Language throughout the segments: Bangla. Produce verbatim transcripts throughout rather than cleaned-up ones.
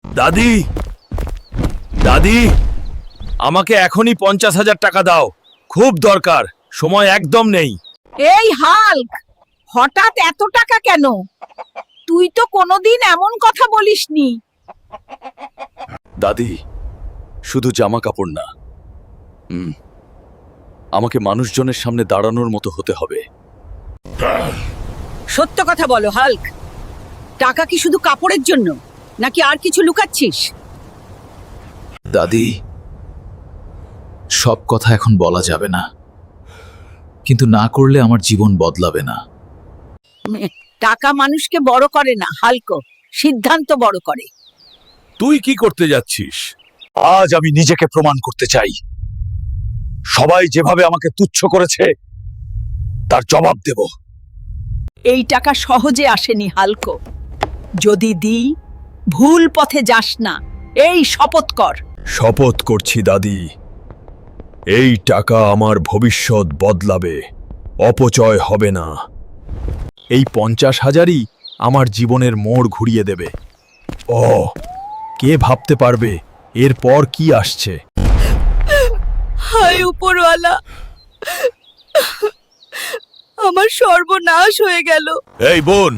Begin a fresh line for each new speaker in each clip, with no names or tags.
দাদি, দাদি, আমাকে এখনই পঞ্চাশ হাজার টাকা দাও, খুব দরকার, সময় একদম নেই।
এই হাল্ক, হঠাৎ এত টাকা কেন? তুই তো কোনোদিন এমন কথা বলিসনি।
দাদি, শুধু জামা কাপড় না, হুম, আমাকে মানুষজনের সামনে দাঁড়ানোর মতো হতে হবে।
সত্য কথা বলো হাল্ক, টাকা কি শুধু কাপড়ের জন্য নাকি আর কিছু লুকাচ্ছিস?
দাদি, সব কথা এখন বলা যাবে না, কিন্তু না করলে আমার জীবন বদলাবে না।
টাকা মানুষকে বড় করে না হাল্ক, সিদ্ধান্ত বড় করে।
তুই কি করতে যাচ্ছিস? আজ আমি নিজেকে প্রমাণ করতে চাই। সবাই যেভাবে আমাকে তুচ্ছ করেছে তার জবাব দেব।
এই টাকা সহজে আসেনি হাল্ক, যদি দিই ভুল পথে যাস না, এই শপথ কর।
শপথ করছি দাদি, এই টাকা আমার ভবিষ্যৎ বদলাবে, অপচয় হবে না। এই পঞ্চাশ হাজারই আমার জীবনের মোড় ঘুরিয়ে দেবে। ও, কে ভাবতে পারবে এরপর কি আসছে?
হায় উপরওয়ালা, আমার সর্বনাশ হয়ে গেল।
এই বোন,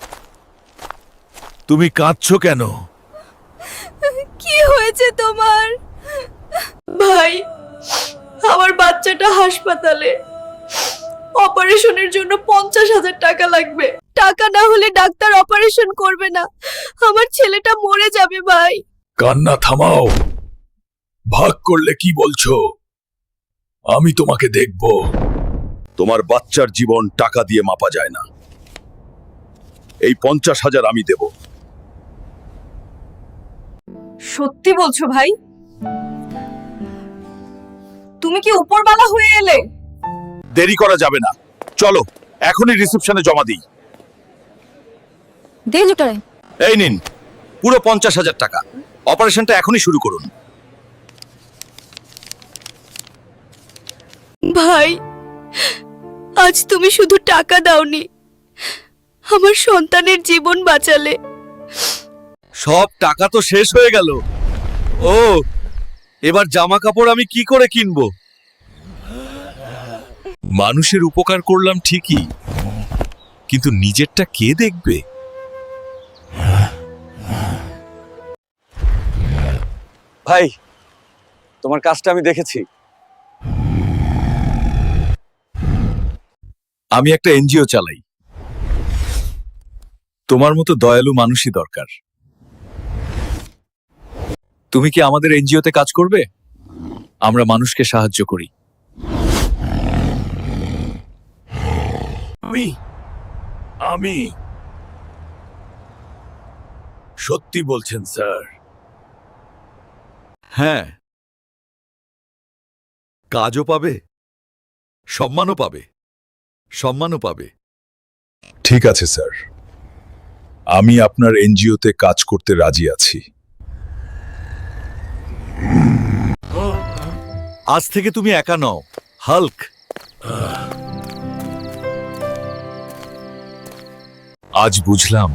তুমি কাঁদছো কেন?
কি হয়েছে তোমার? ভাই, আমার বাচ্চাটা হাসপাতালে, অপারেশনের জন্য পঞ্চাশ হাজার টাকা লাগবে। টাকা না হলে ডাক্তার অপারেশন করবে না, আমার ছেলেটা মরে যাবে। ভাই,
কান্না থামাও। ভাগ করলে কি বলছো? আমি তোমাকে দেখব। তোমার বাচ্চার জীবন টাকা দিয়ে মাপা যায় না। এই পঞ্চাশ হাজার আমি দেব।
সত্যি বলছো ভাই? তুমি কি উপরওয়ালা হয়ে এলে?
দেরি করা যাবে না, চলো এখনই রিসেপশনে জমা দিই।
দে জোটারে।
এই নিন পুরো পঞ্চাশ হাজার টাকা, অপারেশনটা এখনই শুরু করুন।
ভাই, আজ তুমি শুধু টাকা দাওনি, আমার সন্তানের জীবন বাঁচালে।
সব টাকা তো শেষ হয়ে গেল। ও, এবার জামা কাপড় আমি কি করে কিনবো? মানুষের উপকার করলাম ঠিকই, কিন্তু নিজেরটা কে দেখবে?
ভাই, তোমার কাজটা আমি দেখেছি।
আমি একটা এনজিও চালাই, তোমার মতো দয়ালু মানুষই দরকার। তুমি কি আমাদের এনজিওতে কাজ করবে? আমরা মানুষকে সাহায্য করি। আমি আমি সত্যি বলছেন স্যার? হ্যাঁ, কাজও পাবে, সম্মানও পাবে, সম্মানও পাবে। ঠিক আছে স্যার, আমি আপনার এনজিওতে কাজ করতে রাজি আছি। আজ থেকে তুমি একা নও, হাল্ক। আজ বুঝলাম,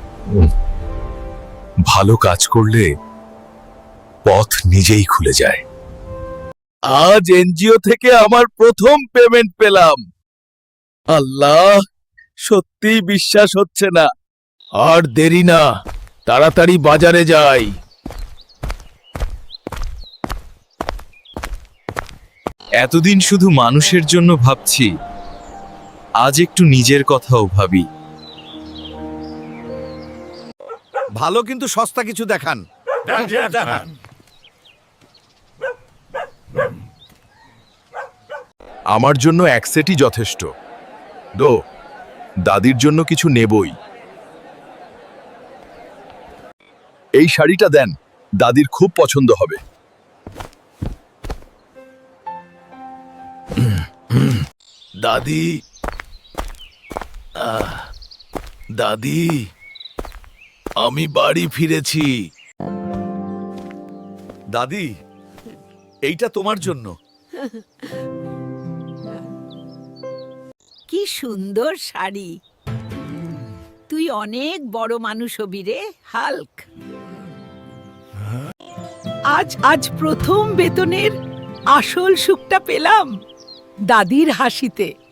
ভালো কাজ করলে পথ নিজেই খুলে যায়। আজ এনজিও থেকে আমার প্রথম পেমেন্ট পেলাম। আল্লাহ, সত্যি বিশ্বাস হচ্ছে না। আর দেরি না, তাড়াতাড়ি বাজারে যাই। এতদিন শুধু মানুষের জন্য ভাবছি, আজ একটু নিজের কথাও ভাবি। ভালো কিন্তু সস্তা কিছু দেখান। আমার জন্য এক সেটই যথেষ্ট। দো, দাদির জন্য কিছু নেবই। এই শাড়িটা দেন, দাদির খুব পছন্দ হবে। দাদি, আহ, দাদি, আমি বাড়ি ফিরেছি। দাদি, এইটা তোমার জন্য।
কি সুন্দর শাড়ি। তুই অনেক বড় মানুষ হবি রে হাল্ক।
আজ আজ প্রথম বেতনের আসল সুখটা পেলাম দাদির হাসিতে।